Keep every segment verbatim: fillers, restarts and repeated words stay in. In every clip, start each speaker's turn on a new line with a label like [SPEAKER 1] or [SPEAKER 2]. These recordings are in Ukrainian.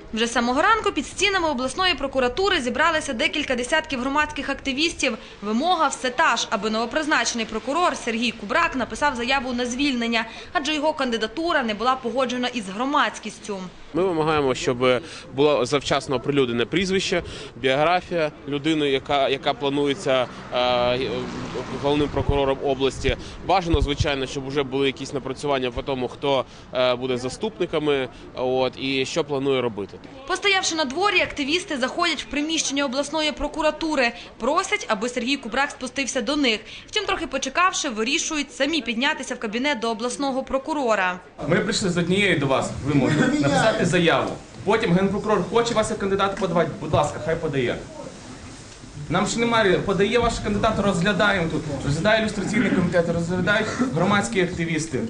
[SPEAKER 1] Вже з самого ранку під стінами обласної прокуратури зібралися декілька десятків громадських активістів. Вимога все та ж, аби новопризначений прокурор Сергій Кубрак написав заяву на звільнення, адже його кандидатура не була погоджена із громадськістю.
[SPEAKER 2] Ми вимагаємо, щоб було завчасно оприлюднене прізвище, біографія людини, яка, яка планується е, головним прокурором області. Бажано, звичайно, щоб вже були якісь напрацювання по тому, хто е, буде заступниками, от, і що планує робити.
[SPEAKER 1] Постоявши на дворі, активісти заходять в приміщення обласної прокуратури. Просять, аби Сергій Кубрак спустився до них. Втім, трохи почекавши, вирішують самі піднятися в кабінет до обласного прокурора.
[SPEAKER 3] Ми прийшли з однією до вас вимогою – написати заяву. Потім генпрокурор хоче вас як кандидата подавати, будь ласка, хай подає. Нам ще немає, подає ваш кандидат, розглядаємо тут. Розглядає ілюстраційний комітет, розглядають громадські активісти.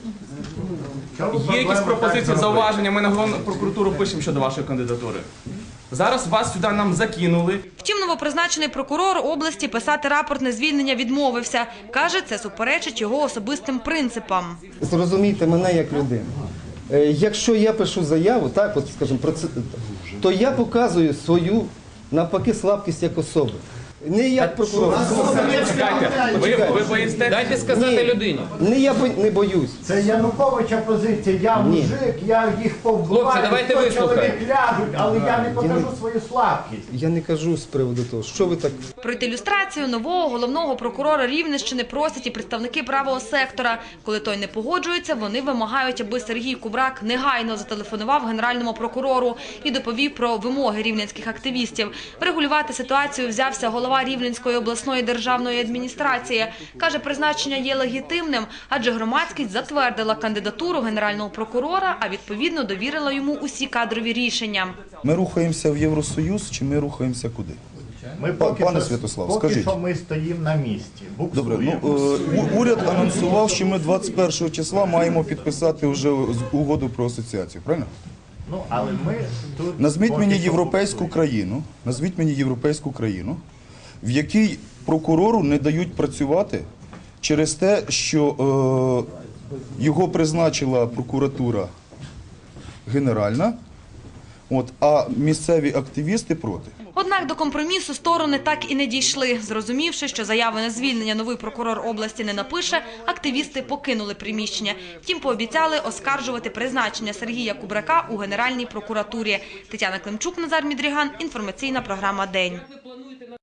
[SPEAKER 3] Є якісь пропозиції, зауваження, ми на головну прокуратуру пишемо щодо вашої кандидатури. Зараз вас сюди нам закинули.
[SPEAKER 1] Втім, новопризначений прокурор області писати рапорт на звільнення відмовився. Каже, це суперечить його особистим принципам.
[SPEAKER 4] Зрозумійте мене як людину. Якщо я пишу заяву, так, от, скажімо, про це, то я показую свою, навпаки, слабкість як особи. Не як прокурор.
[SPEAKER 3] Чекайте, ви, ви боїсте?
[SPEAKER 5] Дайте сказати людині.
[SPEAKER 4] Не я бо, не боюсь.
[SPEAKER 6] Це Януковича позиція. Я мужик, я їх повбиваю,
[SPEAKER 5] Хлопці, давайте
[SPEAKER 6] сто
[SPEAKER 5] вислухаємо.
[SPEAKER 6] чоловік ляжуть, але я не покажу свою слабкість.
[SPEAKER 4] Я не кажу з приводу того, що ви так...
[SPEAKER 1] Пройти люстрацію нового головного прокурора Рівненщини просять і представники правого сектора. Коли той не погоджується, вони вимагають, аби Сергій Кубрак негайно зателефонував генеральному прокурору і доповів про вимоги рівненських активістів. Врегулювати ситуацію взявся голова Рівненської обласної державної адміністрації. Каже, призначення є легітимним, адже громадськість затвердила кандидатуру генерального прокурора, а відповідно довірила йому усі кадрові рішення.
[SPEAKER 7] Ми рухаємося в Євросоюз чи ми рухаємося куди?
[SPEAKER 6] Ми поки,
[SPEAKER 7] Пане
[SPEAKER 6] що,
[SPEAKER 7] Святослав,
[SPEAKER 6] поки
[SPEAKER 7] скажіть.
[SPEAKER 6] що ми стоїмо на місці.
[SPEAKER 7] Добре, ну,
[SPEAKER 6] Буксуємо.
[SPEAKER 7] е, у- уряд анонсував, що ми двадцять першого числа маємо підписати вже з- угоду про асоціацію, правильно?
[SPEAKER 6] Ну, але ми тут...
[SPEAKER 7] Назвіть
[SPEAKER 6] поки
[SPEAKER 7] мені
[SPEAKER 6] що
[SPEAKER 7] європейську
[SPEAKER 6] буксуємо.
[SPEAKER 7] країну, назвіть мені європейську країну, в якій прокурору не дають працювати через те, що е, його призначила прокуратура генеральна, от, а місцеві активісти проти.
[SPEAKER 1] Однак до компромісу сторони так і не дійшли. Зрозумівши, що заяви на звільнення новий прокурор області не напише, активісти покинули приміщення. Втім, пообіцяли оскаржувати призначення Сергія Кубрака у Генеральній прокуратурі. Тетяна Климчук, Назар Мідріган. Інформаційна програма «День».